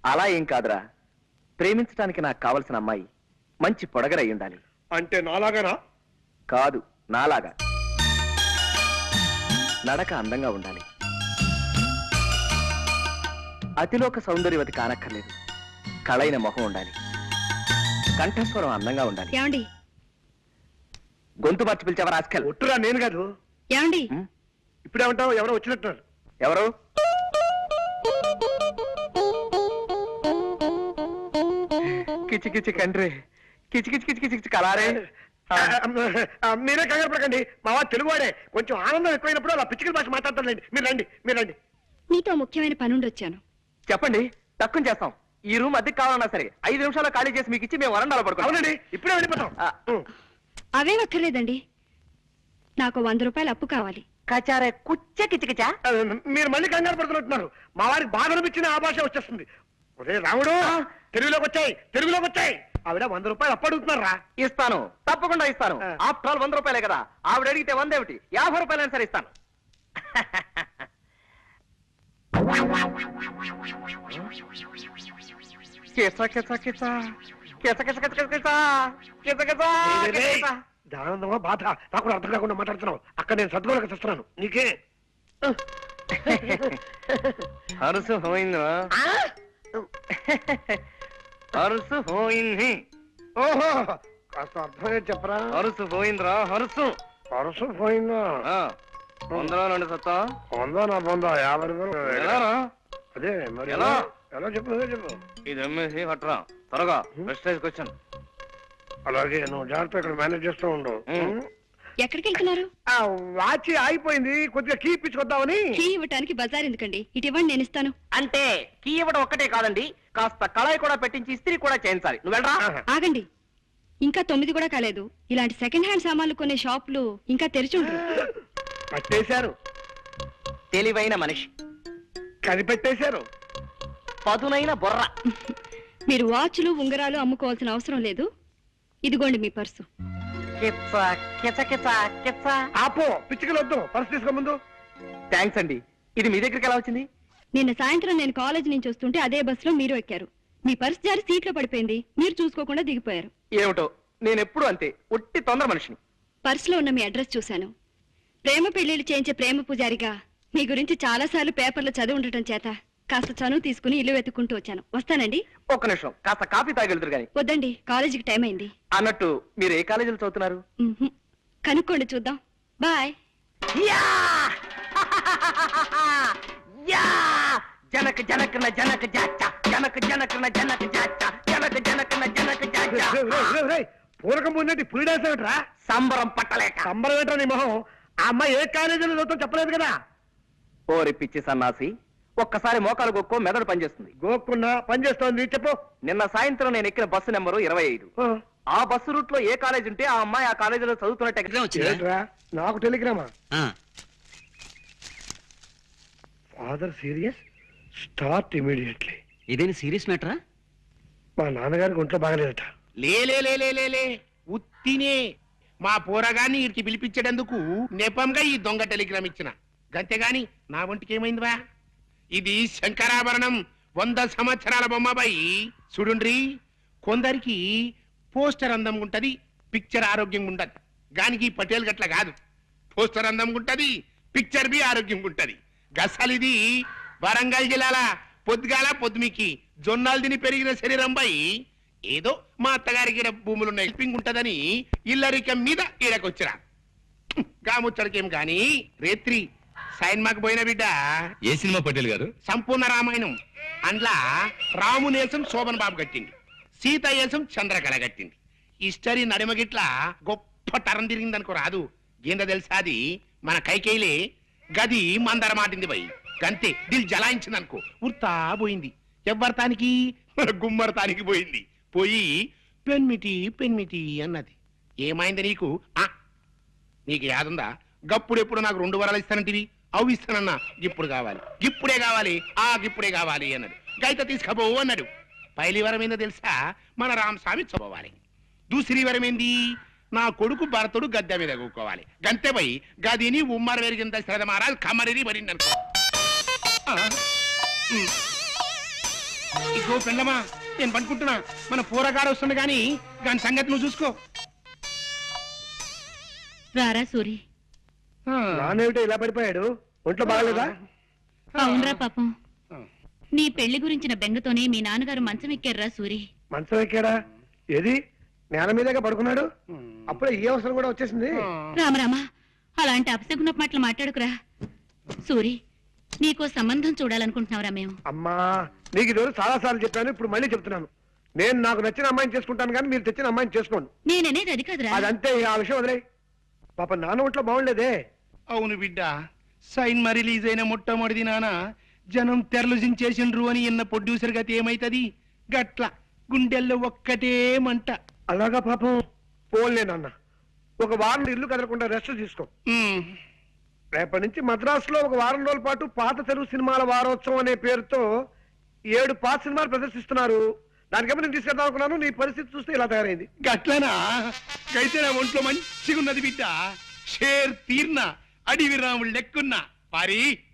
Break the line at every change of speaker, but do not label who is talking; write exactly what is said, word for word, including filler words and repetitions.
అలా ఏం కాదురా, ప్రేమించడానికి నాకు కావలసిన అమ్మాయి మంచి పొడగరై ఉండాలి.
అంటే నాలాగానా?
కాదు, నాలాగా. నడక అందంగా ఉండాలి, అతిలోక సౌందర్యవతి కానక్కర్లేదు, కళైన మొహం ఉండాలి, కంఠస్వరం అందంగా ఉండాలి.
ఏమండి?
గొంతు మార్చి పిలిచావా రాస్కల్?
ఒట్టురా, నేను కాదు.
ఏమండి?
ఇప్పుడేమంటావు? ఎవరో వచ్చినట్టున్నారు.
ఎవరు? కిచి కిచి కండ్రి, కిచి కిచి కిచి కిచి కలారే.
మీరే కంగారు పడకండి, మా వాడు తెలుగువాడే. కొంచెం ఆనందం ఎక్కువైనప్పుడు అలా పిచ్చికల భాష మాట్లాడతానండి. మీరు రండి, మీరు రండి.
నీతో ముఖ్యమైన పనుండి వచ్చాను.
చెప్పండి, తక్కువ చేస్తాం. ఈ రూమ్ అద్దెకి కావాలన్నా సరే ఐదు నిమిషాలు ఖాళీ చేసి మీకు ఇచ్చి మేము వరండాలో పడుకోవాలి.
అవునండి, ఇప్పుడే వెళ్ళిపోతాం.
అవేం అక్కర్లేదండి, నాకు వంద రూపాయలు అప్పు కావాలి.
కచారే కుచ్చ కిచకిచా.
మీరు మళ్ళీ కంగారు పడుతున్నట్టున్నారు. మా వారికి బాధ అనిపించిన ఆ భాష వచ్చేస్తుంది. ఒరే రాముడు, తెలుగులోకి వచ్చాయి, తెలుగులోకి వచ్చాయి. ఆవిడ వంద రూపాయలు అప్పు అడుగుతున్నారా?
ఇస్తాను, తప్పకుండా ఇస్తాను. ఆఫ్టర్ ఆల్ వంద రూపాయలే కదా. ఆవిడ అడిగితే వంద ఏమిటి, యాభై రూపాయలైనా సరే ఇస్తాను.
ఆనందమా బాధ నాకు అర్థం కాకుండా మాట్లాడుతున్నావు. అక్కడ నేను సర్దుకోలేక చూస్తున్నాను. నీకే
హరుసు పోయిందా? హరుసు పోయింది.
ఓహో, కాస్త అర్థమే చెప్పరా.
హరుసు పోయిందిరా, హరుసు
హరుసు పోయిందా?
వందలో రెండు సత్తా.
వందా నా పొందా యాభై రూపాయలు. అదే మరి ఎలా ఎలా చెప్పు చెప్పు.
ఇది అమ్మేసి కట్టరా త్వరగా. Prestige question.
అలాగే, నువ్వు జాగ్రత్త ఇక్కడ మేనేజ్ చేస్తూ ఉండు.
ఎక్కడికి వెళ్తున్నారు?
వాచి ఆగిపోయింది, కొద్దిగా కీ ఇప్పించుకొద్దామని.
కీ ఇవ్వటానికి బజార్ ఎందుకండి, ఇటు ఇవ్వండి, నేను ఇస్తాను.
అంటే కీ ఇవ్వడం ఒక్కటే కాదండి, కాస్త కళాయి కూడా పెట్టించి ఇస్త్రీ కూడా చేయించాలి. నువ్వు వెళ్ళరా.
ఆగండి, ఇంకా తొమ్మిది కూడా కాలేదు. ఇలాంటి సెకండ్ హ్యాండ్ సామాన్లు కొనే షాపులు ఇంకా తెరిచి ఉండరు.
పట్టేశారు.
తెలివైన మనిషి
కనిపెట్టేశారు.
పదునైన బొర్ర.
మీరు వాచ్లు ఉంగరాలు అమ్ముకోవాల్సిన అవసరం లేదు. ఇదిగోండి మీ పర్సు.
ఆపో, పిచ్చికలు వద్దు, పర్సు తీసుకో ముందు.
థ్యాంక్స్ అండి. ఇది మీ దగ్గరికి ఎలా వచ్చింది?
నిన్న సాయంత్రం నేను కాలేజ్ నుంచి వస్తుంటే అదే బస్సులో మీరు ఎక్కారు. మీ పర్సు జారి సీట్లో పడిపోయింది, మీరు చూసుకోకుండా దిగిపోయారు.
ఏమిటో, నేను ఎప్పుడు అంతే, ఒట్టి తొందర మనిషిని.
పర్సులో ఉన్న మీ అడ్రస్ చూశాను. ప్రేమ పెళ్లిళ్ళు చేయించే ప్రేమ పూజారిగా మీ గురించి చాలా సార్లు పేపర్లో చదివి ఉండటం చేత కాస్త చనువు తీసుకుని ఇల్లు వెతుక్కుంటూ వచ్చాను. వస్తానండి.
ఒక్క నిమిషం, కాస్త కాఫీ తాగెళ్తారు గాని.
వద్దండి, కాలేజీకి టైం అయింది.
అన్నట్టు మీరు ఏ కాలేజీలో చదువుతున్నారు?
కనుక్కోండి, చూద్దాం. బాయ్.
జనక జనకన జనక జాచ, జనక జనకన జనక జాచ, జనక జనకన జనక జాచ.
పూరకం ముందంటే ఫుల్ డాన్స్ ఏమిట్రా?
సంబరం పట్టలేక.
సంబరం ఏంట్రా నీ మొహం? ఆ అమ్మాయి ఏ కాలేజీలో చదువుతాం చెప్పలేదు కదా.
ఓరి పిచ్చి సన్నాసి, ఒక్కసారి మోకాలు గొక్కో మెదడు పనిచేస్తుంది.
గోక్కున్నా పనిచేస్తోంది, చెప్పు.
నిన్న సాయంత్రం నేను ఎక్కిన బస్సు నెంబరు ఇరవై ఐదు. ఆ బస్సు రూట్ లో ఏ కాలేజ్ ఉంటే ఆ అమ్మాయి ఆ కాలేజీలో చదువుతున్నట్టు.
నాకు టెలిగ్రామా? Father serious, start immediately.
ఇదేని సీరియస్ మ్యాటరా?
మా నాన్నగారికి ఒంట్లో బాగలేదట.
లే ఉత్తినే మా పోరగాన్ని ఇడికి పిలిపించేటందుకు నెపంగా ఈ దొంగ టెలిగ్రామ్ ఇచ్చిన గంతేగాని నా ఒంటికి ఏమైందివా? ఇది శంకరాభరణం, వంద సంవత్సరాల బొమ్మబాయి. చూడుండ్రి, కొందరికి పోస్టర్ అందంగా ఉంటది, పిక్చర్ ఆరోగ్యంగా ఉంటది. గానికి పటేల్ గట్ల కాదు. పోస్టర్ అందంగా ఉంటది, పిక్చర్ బి ఆరోగ్యంగా ఉంటది. గసలిది వరంగల్ జిల్లాల పొద్దుగాల పొద్దుమికి జొన్నాలు తిని పెరిగిన శరీరం బాయి. ఏదో మా అత్తగారికి భూములున్న హెల్పింగ్ ఉంటదని ఇల్లరికం మీద ఈడకొచ్చిరా. గాముచ్చడికేం గాని రేత్రి సైన్మాకు పోయిన బిడ్డ.
ఏ సినిమా పటేల్ గారు?
సంపూర్ణ రామాయణం. అందులో రామునేసం శోభన్ బాబు కట్టింది, సీత ఏసం చంద్రకళ కట్టింది. హిస్టరీ నడిమగిట్ల గొప్ప తరం తిరిగిందనుకో రాదు. ఏందో తెలుసాది, మన కైకేయిలే గది మందర మాటింది పోయి గంతే దిల్ జలాయించింది అనుకో, ఉర్తా పోయింది. ఎవ్వరతానికి? గుమ్మరతానికి పోయింది. పోయి పెన్మిటి పెన్మిటి అన్నది. ఏమైంది నీకు? ఆ నీకు యాదుందా? గప్పుడెప్పుడు నాకు రెండు వరాలు ఇస్తానంటివి, అవి ఇస్తానన్నా. ఇప్పుడు కావాలి, ఇప్పుడే కావాలి, ఆ ఇప్పుడే కావాలి అన్నాడు. గైత తీసుకపోవు అన్నాడు. పైలి వరం ఏందో తెలుసా? మన రామస్వామి చదవాలి. దూసరి వరం ఏంది? నా కొడుకు భరతుడు గద్దె మీద కూకోవాలి. గంతే పోయి గదిని ఉమ్మర వెరిగింత శ్రద్ధ మహారాజ్ కమరిని పడింది అనుకో. ఇగో పెండమా నేను పట్టుకుంటున్నా మన పూరగాడు వస్తుంది గాని దాని సంగతి నువ్వు చూసుకో
రారా సూరి.
నానేమిటో ఇలా పడిపోయాడు, ఒంట్లో బాగలేదా?
అవునరా పాపం, నీ పెళ్లి గురించిన బెంగతోనే మీ నాన్నగారు మంచం ఎక్కారురా సూరి.
మంచం ఎక్కాడా? ఏది నేల మీదగా పడుకున్నాడు? అప్పుడే ఈ అవసరం కూడా వచ్చేసింది.
రామరామా, అలాంటి అపశకున మాటలు మాట్లాడుకురా సూరి. నీకో సంబంధం చూడాలనుకుంటున్నావురా మేము.
అమ్మా, నీకు ఇది చాలా సార్లు చెప్పాను, ఇప్పుడు మళ్ళీ చెప్తున్నాను. నేను నాకు నచ్చిన అమ్మాయిని చేసుకుంటాను కానీ మీరు తెచ్చిన అమ్మాయిని చేసుకోండి.
నేననేది అది కాదురా.
అదంతే, ఆ విషయం వదిలే. పాప నాన్న ఒంట్లో బాగుండేదే.
అవును బిడ్డ, సైన్ మా రిలీజ్ అయిన మొట్టమొదటి నాన్న జనం తెరలు జించేసిండ్రు అని ఇన్న ప్రొడ్యూసర్ గతి ఏమైతది? గట్ల గుండెల్లో ఒక్కటే మంట.
అలాగా పాపం. పోన్లే నాన్న, ఒక వారం ఇల్లు కదలకుండా రెస్ట్ తీసుకో.
ఉమ్,
రేపటి నుంచి మద్రాసులో ఒక వారం రోజుల పాటు పాత తెలుగు సినిమాల వారోత్సవం అనే పేరుతో ఏడు పాత సినిమాలు ప్రదర్శిస్తున్నారు. దానికేమో నేను తీసుకెళ్దాం అనుకున్నాను, నీ పరిస్థితి చూస్తే ఇలా తయారైంది.
గట్లనా? అయితే నా ఒంట్లో మంచిగున్నది బిడ్డ. షేర్ తీర్న అడివి రాముడు లెక్కున్నా పారి